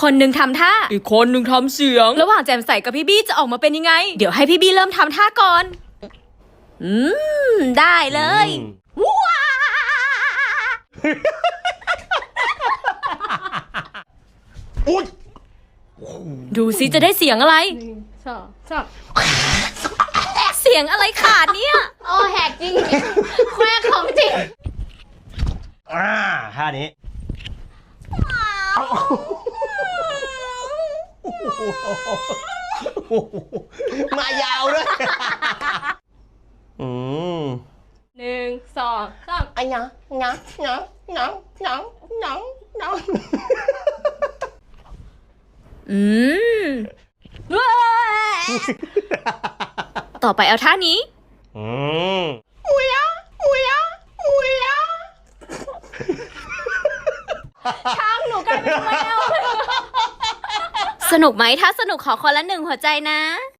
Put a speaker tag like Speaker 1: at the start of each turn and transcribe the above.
Speaker 1: คนหนึ่งทำท่าอีกคนหนึ่งทำเสียงระหว่างแจมใสกับพี่บี้จะออกมาเป็นยังไงเดี๋ยวให้พี่บี้เริ่มทำท่าก่อนได้เลยว้าดูสิจะได้เสียงอะไรเสียงอะไรขาดเนี่ย
Speaker 2: โอ้แหกจริงแควกของจริง
Speaker 3: ท่านี้มายาวด้วย
Speaker 2: 1 2 3
Speaker 3: อันยัง
Speaker 1: ต่อไปเอาท่านี้
Speaker 2: ช้างหนูกลายเป็นแมว
Speaker 1: สนุกไหมถ้าสนุกขอคนละ1 หัวใจนะ